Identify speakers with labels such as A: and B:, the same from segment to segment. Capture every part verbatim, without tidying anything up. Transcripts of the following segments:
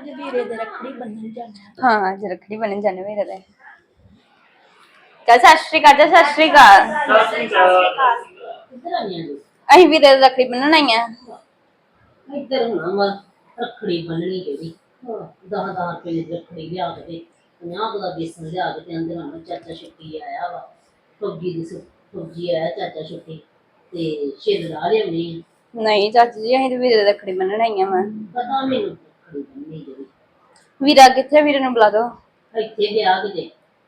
A: ਅੱਜ ਵੀਰੇ ਦੇ ਰੱਖੜੀ ਬੰਨਣ ਜਾਣਾ।
B: ਹਾਂ ਅੱਜ ਰੱਖੜੀ ਬੰਨਣ ਜਾਣੇ ਵੀਰੇ ਦੇ। ਚੱਲ ਸਤਿ ਸ਼੍ਰੀ ਅਕਾਲ ਜੀ। ਸਤਿ ਸ਼੍ਰੀ ਅਕਾਲ।
C: ਸਤਿ ਸ਼੍ਰੀ ਅਕਾਲ।
D: ਕਿੱਧਰ ਆਈਆਂ ਜੀ?
B: ਅਸੀਂ ਵੀਰੇ ਦੇ ਰੱਖੜੀ ਬੰਨਣ ਆਈਆਂ।
D: ਇੱਧਰ ਹੋਣਾ ਵਾ ਰੱਖੜੀ ਬੰਨਣੀ ਜਿਹੜੀ ਦਸ ਦਸ ਰੁਪਏ ਦੀ ਰੱਖੜੀ ਲਿਆ ਕੇ ਤੇ ਪੰਜਾਹ ਦਾ ਬੇਸਣ ਲਿਆ ਕੇ ਤੇ ਅੰਦਰ ਆਉਣਾ ਚਾਚਾ ਛੁੱਟੀ ਆਇਆ ਵਾ ਫੌਜੀ ਦੀ ਫੌਜੀ ਆਇਆ ਚਾਚਾ ਛੁੱਟੀ ਤੇ ਛਿੱਲ ਲਾ ਲਿਆਉਣੀ।
B: ਨਹੀਂ ਚਾਚੀ ਜੀ ਅਸੀਂ ਤੇ ਵੀਰੇ ਦੇ ਰੱਖੜੀ ਬੰਨਣ ਆਈਆਂ ਵਾ।
D: ਪਤਾ ਮੈਨੂੰ ਰੱਖੜੀ ਬੰਨਣੀ ਜਿਹੜੀ।
B: ਵੀਰਾ ਕਿੱਥੇ? ਵੀਰੇ ਨੂੰ ਬੁਲਾ ਦੋ।
D: ਇੱਥੇ ਗਿਆ ਕਿਤੇ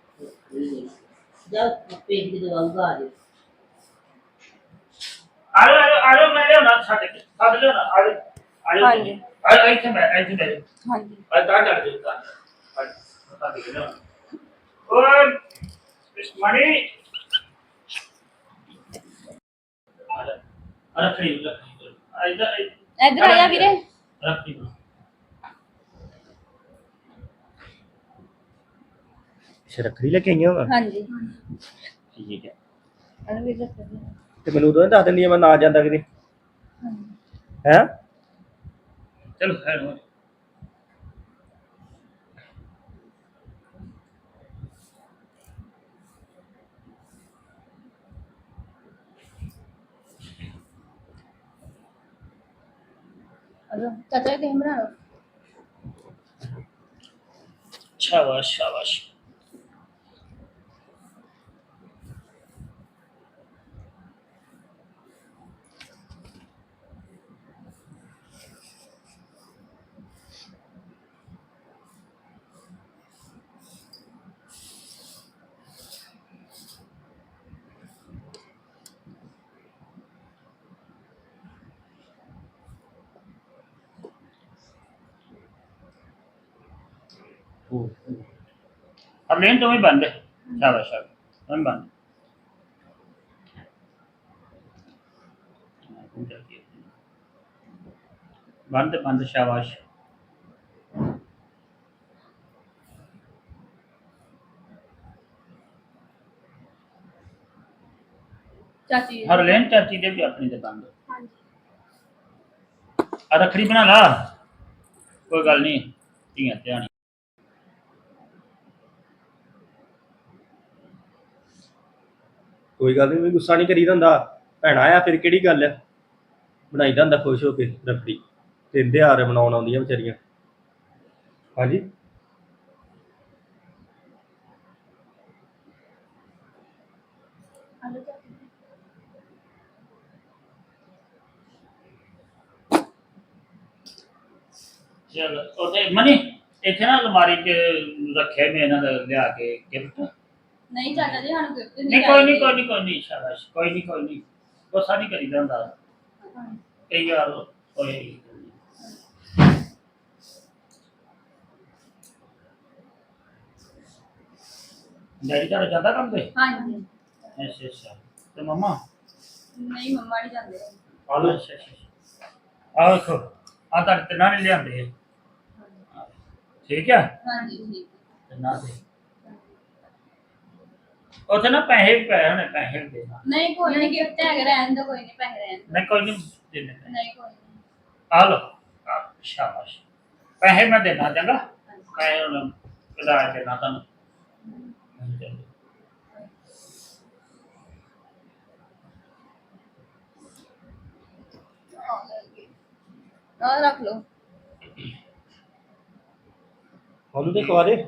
D: ਜਾ ਪੇਟ ਦੀ ਦਵਾ ਉਗਾ ਦੇ।
C: ਆਲੋ ਆਲੋ ਆਲੋ ਮੈਂ ਲਿਆਉਣਾ ਛੱਡ ਕੇ ਛੱਡ ਲਿਆਉਣਾ ਆਲੋ ਆਲੋ
B: ਹਾਂਜੀ
C: ਆਲੋ ਇੱਥੇ ਮੈਂ ਇੱਥੇ ਮੈਂ
B: ਹਾਂਜੀ
C: ਆ ਤਾਂ ਚੱਲ ਦੇ ਤਾਂ ਪਤਾ ਨਹੀਂ ਕਿਹਨਾਂ ਓਏ ਇਸ ਮਣੀ ਆਲਾ ਆਲਾ ਖੜੀ ਰੱਖੀ ਆਇਦਾ
B: ਇੱਧਰ ਆ ਜਾ ਵੀਰੇ।
C: ਰੱਖੀ
E: ਰੱਖੜੀ ਲੈ ਕੇ ਆਈਆਂ ਵਾ।
B: ਹਾਂਜੀ
E: ਠੀਕ ਹੈ
B: ਅਨ ਵੀਰੇ ਰੱਖੜੀ।
E: ਤੇ ਮੈਨੂੰ ਉਦੋਂ ਦੱਸ ਦਿੰਦੀ ਆ ਮੈਂ ਨਾ ਜਾਂਦਾ ਕਿਤੇ ਹੈ।
C: ਚਲੋ ਖੈਰ ਹੋ
B: ਅਜੋ ਚਾਚਾ ਕਿਵੇਂ ਬਣਾ ਲਓ।
C: शाबाश शाबाश अब लेन तुम्हें बंद है शाबाश शाबाश तुम्हें बंद बंद बंद शाबाश
B: चाची
C: हर लेन चाची दे भी अपनी दे बंद आ रखड़ी बना ला कोई गल नहीं धीआं ध्यान
E: ਕੋਈ ਗੱਲ ਨਹੀਂ ਗੁੱਸਾ ਨਹੀਂ ਕਰੀਦਾ ਹੁੰਦਾ। ਭੈਣਾ ਆ ਫਿਰ ਕਿਹੜੀ ਗੱਲ ਆ ਬਣਾਈਦਾ ਹੁੰਦਾ ਖੁਸ਼ ਹੋ ਕੇ ਰੱਖੜੀ ਤੇ ਤਿਉਹਾਰ ਮਨਾਉਣ ਆਉਂਦੀਆਂ ਵਿਚਾਰੀਆਂ। ਹਾਂਜੀ
C: चल ओते मनी इथे ना अलमारी च रखे मैं इन्हां दा लिया के गिफ्ट
B: नहीं चाचा जी ਸਾਨੂੰ ਗਿਫਟ
C: नहीं कोई नहीं कोई नहीं कोई नहीं शाबाश कोई नहीं कोई नहीं गुस्सा नहीं करीदा हुंदा कई बार कोई डैडी का जाता काम पे
B: ਹਾਂਜੀ
C: अच्छा अच्छा तो मम्मा
B: ਨਹੀਂ ਮੰਮਾ ਨਹੀਂ ਜਾਂਦੇ।
C: आलो अच्छा अच्छा आओ देखो आ तक ते ना ले आंदे ठीक है
B: ਹਾਂਜੀ ਠੀਕ
C: ते ना दे उथे ना पैसे भी पए होने पैसे भी देना
B: ਨਹੀਂ ਕੋਈ ਨਹੀਂ ਗਿਫਟ ਹੈਗਾ ਰਹਿਣ ਦੋ ਕੋਈ ਨਹੀਂ ਪੈਸੇ ਰਹਿਣ
C: नहीं कोई नहीं देने
B: ਦਿਓ। नहीं कोई नहीं
C: आ लो आ, शाबाश पैसे मैं देना चंगा पैसे हुन कदा देना तन्नू
B: और रख लो
E: ਉਹਨੂੰ ਤੇ ਖਵਾ ਦੇ।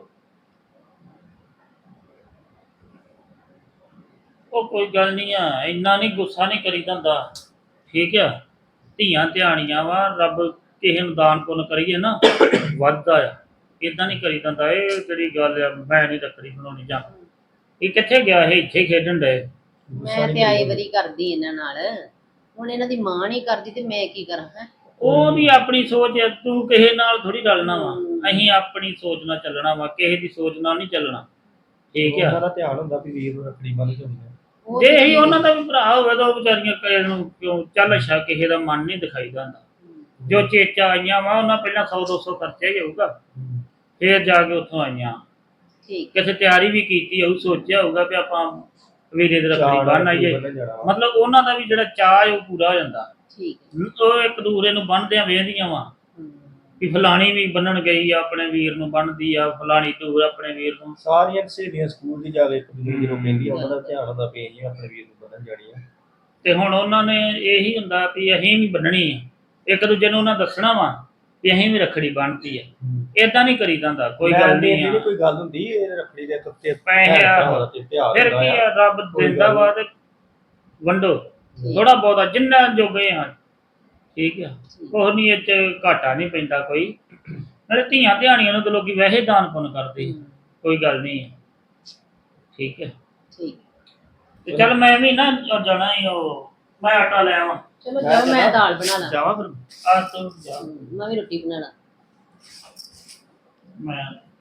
C: ਉਹ ਕੋਈ ਗੱਲ ਨਹੀਂ ਆ ਇੰਨਾ ਨਹੀਂ ਗੁੱਸਾ ਨਹੀਂ ਕਰੀਦਾ ਹੁੰਦਾ ਠੀਕ ਆ ਧੀਆਂ ਧਿਆਣੀਆਂ ਵਾ ਰੱਬ ਕਿਸੇ ਨੂੰ ਦਾਨ ਪੁੰਨ ਕਰੀਏ ਨਾ ਵੱਧਦਾ ਆ ਇਦਾਂ ਨਹੀਂ ਕਰੀਦਾ ਹੁੰਦਾ। ਇਹ ਜਿਹੜੀ ਗੱਲ ਆ ਮੈਂ ਨਹੀਂ ਰੱਖੜੀ ਬਣਾਉਣੀ ਜਾਂ ਇਹ ਕਿੱਥੇ ਗਿਆ ਇਹ ਇੱਥੇ ਖੇਡਣ ਡਏ।
D: ਮੈਂ ਤੇ ਆਈ ਵਾਰੀ ਕਰਦੀ ਇਹਨਾਂ ਨਾਲ ਹੁਣ ਇਹਨਾਂ ਦੀ ਮਾਂ ਨਹੀਂ ਕਰਦੀ ਤੇ ਮੈਂ ਕੀ ਕਰਾਂ ਹੈ।
C: ਉਹਦੀ ਆਪਣੀ ਸੋਚ ਹੈ ਤੂੰ ਕਿਸੇ ਨਾਲ ਥੋੜੀ ਰਲਣਾ ਵਾ ਅਸੀਂ ਆਪਣੀ ਸੋਚ ਨਾਲ ਚੱਲਣਾ ਵਾ ਕਿਸੇ ਦੀ ਸੋਚ ਨਾਲ ਨਹੀਂ ਚੱਲਣਾ ਠੀਕ ਆ।
E: ਉਹਨਾਂ ਦਾ ਧਿਆਨ ਹੁੰਦਾ ਵੀ ਵੀਰ ਨੂੰ ਰੱਖੜੀ ਬੰਨ੍ਹ ਕੇ
C: ਜੇ ਹੀ ਉਹਨਾਂ ਦਾ ਵੀ ਭਰਾ ਹੋਵੇ ਤਾਂ ਉਹ ਵਿਚਾਰੀਆਂ ਕਿਸੇ ਨੂੰ ਕਿਉਂ ਚੱਲ ਅੱਛਾ ਕਿਸੇ ਦਾ ਮਨ ਨਹੀਂ ਦਿਖਾਈਦਾ ਹੁੰਦਾ। ਜੋ ਚੇਚਾ ਆਈਆਂ ਵਾ ਉਹਨਾਂ ਪਹਿਲਾਂ ਸੌ ਦੋ ਸੌ ਖਰਚਿਆ ਹੀ ਹੋਊਗਾ ਫੇਰ ਜਾ ਕੇ ਉੱਥੋਂ ਆਈਆਂ
D: ਠੀਕ
C: ਕਿਸੇ ਤਿਆਰੀ ਵੀ ਕੀਤੀ ਹੋਊ ਸੋਚਿਆ ਹੋਊਗਾ ਵੀ ਆਪਾਂ ਵੀਰੇ ਦੇ ਰੱਖੜੀ ਬੰਨ੍ਹ ਆਈਏ ਮਤਲਬ ਉਹਨਾਂ ਦਾ ਵੀ ਜਿਹੜਾ ਚਾਅ ਉਹ ਪੂਰਾ ਹੋ ਜਾਂਦਾ।
D: ਠੀਕ
C: ਉਹ ਇੱਕ ਦੂਸਰੇ ਨੂੰ ਬੰਨ੍ਹਦਿਆਂ ਵੇਖਦੀਆਂ ਵਾ ਵੀ ਫਲਾਣੀ ਵੀ ਬੰਨਣ ਗਈ ਆ ਆਪਣੇ ਵੀਰ ਨੂੰ ਬੰਨਦੀ ਆ ਫਲਾਣੀ ਦੂਰ ਆਪਣੇ ਵੀਰ ਨੂੰ।
E: ਸਾਰੀਆਂ ਸਹੇਲੀਆਂ ਸਕੂਲ ਦੀ ਜਾ ਕੇ ਇੱਕ ਦੂਜੇ ਨੂੰ ਜਦੋਂ ਕਹਿੰਦੀਆਂ ਉਹਨਾਂ ਦਾ ਧਿਆਨ ਹੁੰਦਾ ਵੀ ਅਸੀਂ ਆਪਣੇ ਵੀਰ ਨੂੰ ਬੰਨਣ ਜਾਣੀ ਆ।
C: ਤੇ ਹੁਣ ਉਹਨਾਂ ਨੇ ਇਹੀ ਹੁੰਦਾ ਵੀ ਅਸੀਂ ਵੀ ਬੰਨਣੀ ਆ, ਇੱਕ ਦੂਜੇ ਨੂੰ ਉਹਨਾਂ ਦੱਸਣਾ ਵਾ ਵੀ ਅਸੀਂ ਵੀ ਰੱਖੜੀ ਬੰਨ੍ਹਤੀ ਆ। ਏਦਾਂ ਨਹੀਂ ਕਰੀਦਾ ਹੁੰਦਾ, ਕੋਈ ਗੱਲ ਨਹੀਂ
E: ਇਹ
C: ਆ।
E: ਕੋਈ ਗੱਲ ਹੁੰਦੀ ਇਹ ਰੱਖੜੀ ਦੇ ਉੱਤੇ
C: ਪੈਸੇ ਆ ਫਿਰ ਕੀ ਆ, ਰੱਬ ਦਿੰਦਾ ਵਾ ਤੇ ਵੰਡੋ ਥੋੜਾ ਬਹੁਤਾ ਜਿੰਨਾ ਜੋਗੇ ਆ, ਠੀਕ ਆ। ਕੁਛ ਨਹੀਂ ਇਹ ਚ ਘਾਟਾ ਨਹੀਂ ਪੈਂਦਾ ਕੋਈ, ਨਾਲੇ ਧੀਆਂ ਧਿਆਣੀਆਂ ਨੂੰ ਤਾਂ ਲੋਕੀ ਵੈਸੇ ਦਾਨ ਪੁੰਨ ਕਰਦੇ, ਕੋਈ ਗੱਲ ਨਹੀਂ ਹੈ, ਠੀਕ ਹੈ।
D: ਠੀਕ
C: ਤੇ ਚੱਲ ਮੈਂ ਵੀ ਨਾ ਜਾਣਾ ਹੀ, ਉਹ ਮੈਂ ਆਟਾ ਲੈ ਆਵਾਂ।
D: ਚਲੋ ਜਾਓ, ਮੈਂ ਦਾਲ ਬਣਾ ਲਾਂ।
E: ਜਾਵਾਂ ਫਿਰ
C: ਆ ਤੂੰ ਜਾ,
D: ਮੈਂ ਵੀ ਰੋਟੀ ਬਣਾਣਾ।
C: ਮੈਂ